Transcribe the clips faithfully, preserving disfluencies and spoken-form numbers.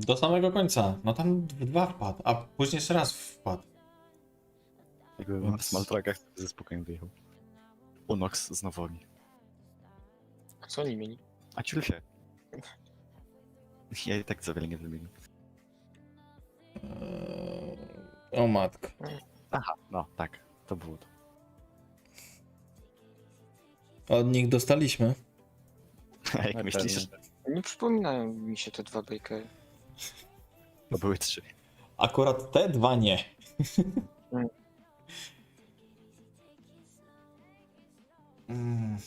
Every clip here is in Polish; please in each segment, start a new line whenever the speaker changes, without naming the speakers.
Do samego końca. No tam w dwa wpadł, a później jeszcze raz wpadł.
Jakby
Więc-
na smaltrakach ze spokojem wyjechał. Unox z Nowomi.
A co oni mieli?
A ciul się. Ja i tak za wiele nie wymienię.
Eee, o matko.
Aha, no tak, to było to.
Od nich dostaliśmy.
A jak
Na
myślisz,
pewno.
Nie przypominają mi się te dwa bakery.
to były trzy.
Akurat te dwa nie.
Mm.
Mm.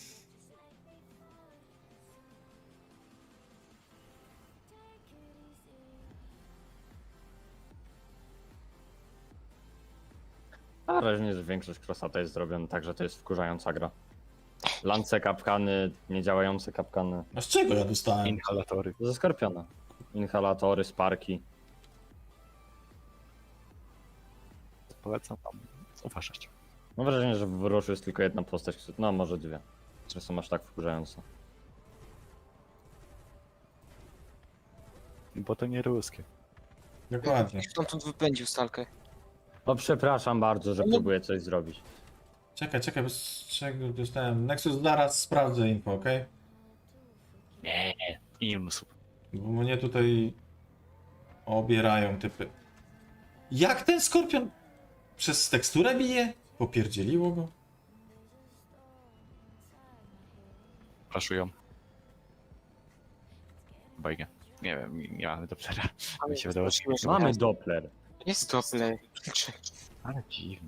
Mam wrażenie, że większość crossata jest zrobiona tak, że to jest wkurzająca gra. Lance kapkany, niedziałające kapkany.
A z czego ja dostałem?
Inhalatory.
Ze Skorpiona. Inhalatory, sparki.
Polecam tam uważać.
Mam wrażenie, że w Ruszu jest tylko jedna postać, która- no może dwie, które są aż tak wkurzające.
Bo to nie ruskie.
Dokładnie.
Stamtąd wypędził stalkę.
No przepraszam bardzo, że
No.
próbuję coś zrobić.
Czekaj, czekaj, bez czego dostałem. Nexus, zaraz sprawdzę info, okej?
Nie, Ilmsów.
Bo mnie tutaj obierają typy. Jak ten skorpion przez teksturę bije? Popierdzieliło go?
Flaszują. Bajkę. Nie wiem, nie, nie mamy Dopplera. Mi się wydawało, że...
Mamy Doppler.
Jest doble.
Ale dziwne.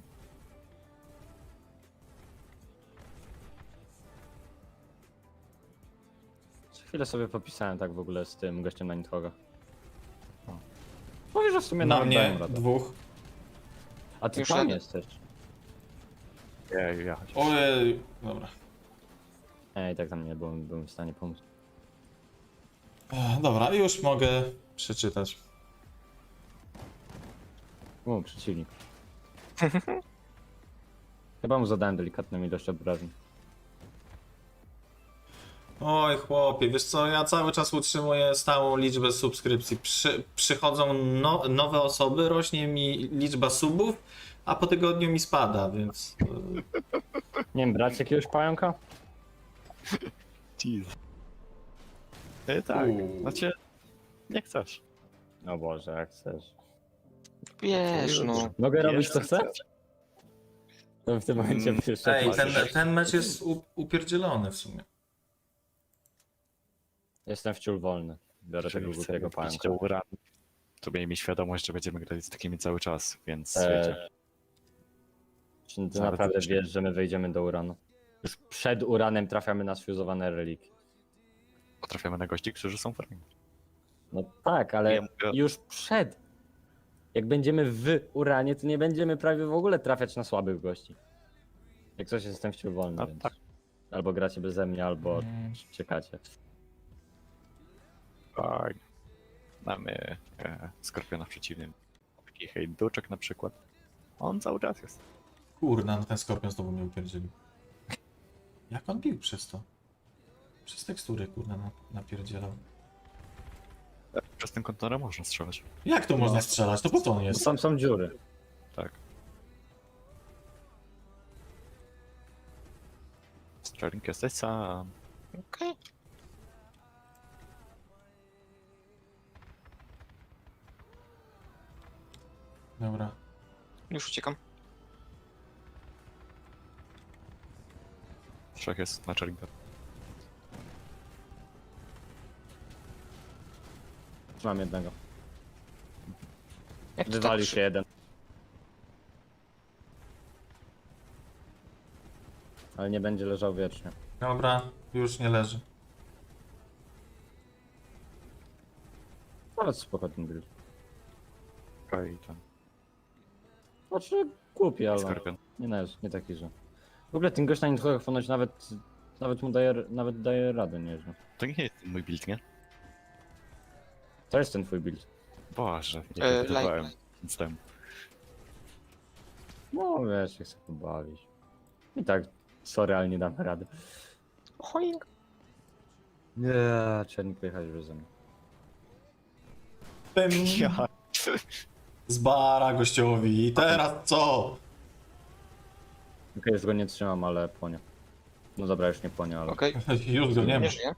Co chwilę sobie popisałem tak w ogóle z tym gościem na Nidhoga. Mówię, że w sumie
Na
nawet
mnie
dałem radę.
dwóch.
A ty
Już
tam
radę.
jesteś.
Ja, ja.
Ojej, dobra.
Ej, tak tam nie byłem, byłem w stanie pomóc.
Ech, Dobra, już mogę przeczytać.
O, przeciwnik. Chyba mu zadałem delikatną ilość obrażeń.
Oj chłopie, wiesz co, ja cały czas utrzymuję stałą liczbę subskrypcji. Przy, przychodzą no, nowe osoby, rośnie mi liczba subów, a po tygodniu mi spada, więc... e,
Nie wiem, brać jakiegoś pająka?
Jeez. E, tak,
Uuu.
znaczy... Nie chcesz.
O Boże, jak chcesz.
Wiesz, no.
Mogę robić
Jeszcze
co chcę? To w tym momencie
Mm,
jeszcze
Ej, ten,
patrzę.
ten mecz jest u, upierdzielony w sumie.
Jestem wciul wolny. Biorę tego
Jeżeli
głupiego
chcemy wbić
pająka.
do uranu, to miejmy świadomość, że będziemy grać z takimi cały czas, więc
Eee,
wiecie.
Czy ty
Zaraz
naprawdę
zobaczymy.
wiesz, że my wejdziemy do uranu? Już przed uranem trafiamy na sfuzowane reliki.
Potrafiamy na gości, którzy są fajni.
No tak, ale
Ja mówię-
już przed. Jak będziemy w uranie, to nie będziemy prawie w ogóle trafiać na słabych gości. Jak coś jestem wciul wolny,
No
więc...
tak.
Albo gracie beze mnie, albo
Mm.
czekacie.
Tak. Mamy e, Skorpiona w przeciwnym. Taki hejduczek na przykład. On cały czas jest.
Kurna, no ten skorpion znowu mnie upierdzielił. Jak on bił przez to? Przez tekstury, kurna, na- napierdzielał.
E, Przez ten kontener można strzelać.
Jak to można
No.
strzelać? To po co on
Bo
jest?
tam są dziury.
Tak. Sterling jesteś sam.
Okej.
Dobra.
Już uciekam.
Trzech jest na Cherlinga.
Mam jednego.
Jak to
Wywalił
tak
się jeden. Ale nie będzie leżał wiecznie.
Dobra, już nie leży.
Nawet spoko ten build.
I tam
Znaczy głupi, ale
Skorpion.
nie, no, nie taki, że... W ogóle ten gość na Nidhogach ponoć nawet, nawet mu daje, nawet daje radę nieźle.
To nie jest mój build, nie?
To jest ten twój build.
Boże, nie
E,
wydawałem
light.
nic temu.
No wiesz, się chcę pobawić. I tak, sorry, ale nie dam rady.
Choing.
Nie, trzeba nie pojechać beze mnie.
Pym.
Ja.
Z bara gościowi. I teraz co?
Okej, już go nie trzymam, ale płonie. No dobra, już nie płonie, ale...
Okej,
Już go nie ma.
nie żyje.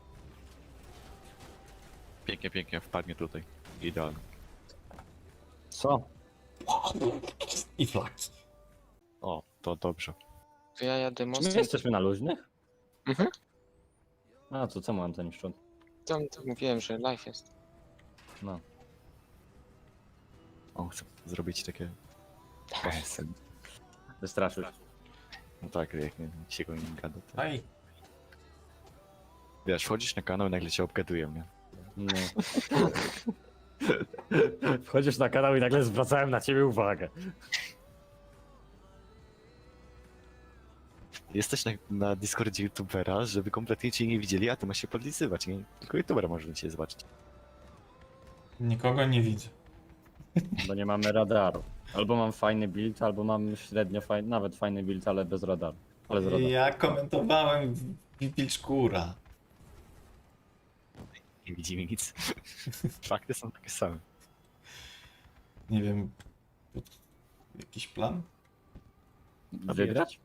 Pięknie, pięknie, wpadnie tutaj. Idealnie.
Co?
I flaki.
O, to dobrze.
To ja jadę
Czy my
mostem.
jesteśmy na luźnych?
Mhm.
A, to co mam ten szczot?
Tam, tam mówiłem, że live jest.
No.
O, chcę zrobić takie... K S M.
Wystraszyć.
No tak, jak nie, się go nie gada. To...
Aj.
Wiesz, wchodzisz na kanał i nagle cię obgadują, nie?
No. Wchodzisz na kanał i nagle zwracałem na ciebie uwagę.
Jesteś na, na Discordzie youtubera, żeby kompletnie cię nie widzieli, a ty masz się podlizywać, nie? Tylko youtubera może cię zobaczyć.
Nikogo nie widzę.
Bo nie mamy radaru. Albo mam fajny build, albo mam średnio fajny, nawet fajny build, ale bez radaru. Ale z radaru.
Ja komentowałem Wilczkura.
Nie widzimy nic. Fakty są takie same.
Nie wiem. Jakiś plan?
Wygrać?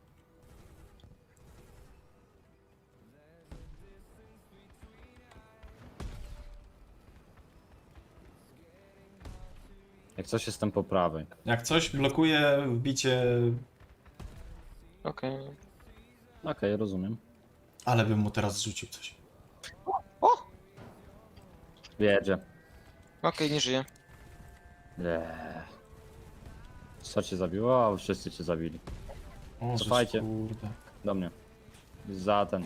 Jak coś jestem po prawej.
Jak coś blokuje wbicie,
Okej.
Okej, rozumiem.
ale bym mu teraz rzucił coś.
Wiedzie.
Okej, nie żyje.
Eee. Co cię zabiło? A wszyscy cię zabili.
O, żeż
Cofajcie.
kurde.
Do mnie. Za ten.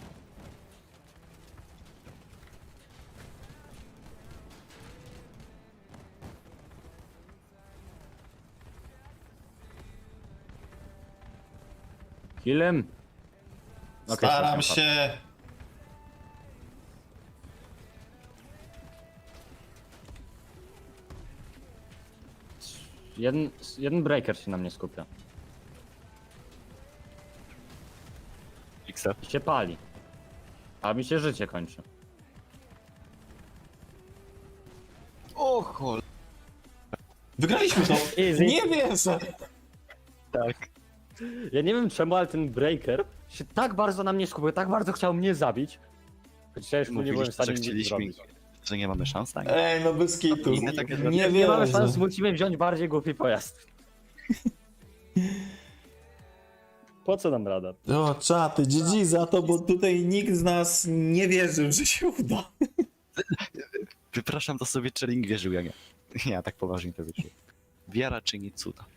Killem. Okej,
Staram
jestem
się.
Jeden, jeden breaker się na mnie skupia.
X
I się pali. A mi się życie kończy.
O chol...
Wygraliśmy to.
Easy.
Nie wiem.
Tak.
Ja nie wiem czemu, ale ten breaker się tak bardzo na mnie skupił, tak bardzo chciał mnie zabić. Chociaż ja już mu nie byłem w
Mówiliście,
stanie
że
nic
chcieliśmy,
zrobić.
że nie mamy szans na nie.
Ej, no bez kitu.
Inne takie rzeczy.
Nie
Nie mamy
wiem.
szans, musimy wziąć bardziej głupi pojazd. Po co nam rada?
O, czaty, G G za to, bo tutaj nikt z nas nie wierzył, że się uda.
Wypraszam, to sobie Czering wierzył, ja nie. Ja tak poważnie to wierzyłem. Wiara czyni cuda.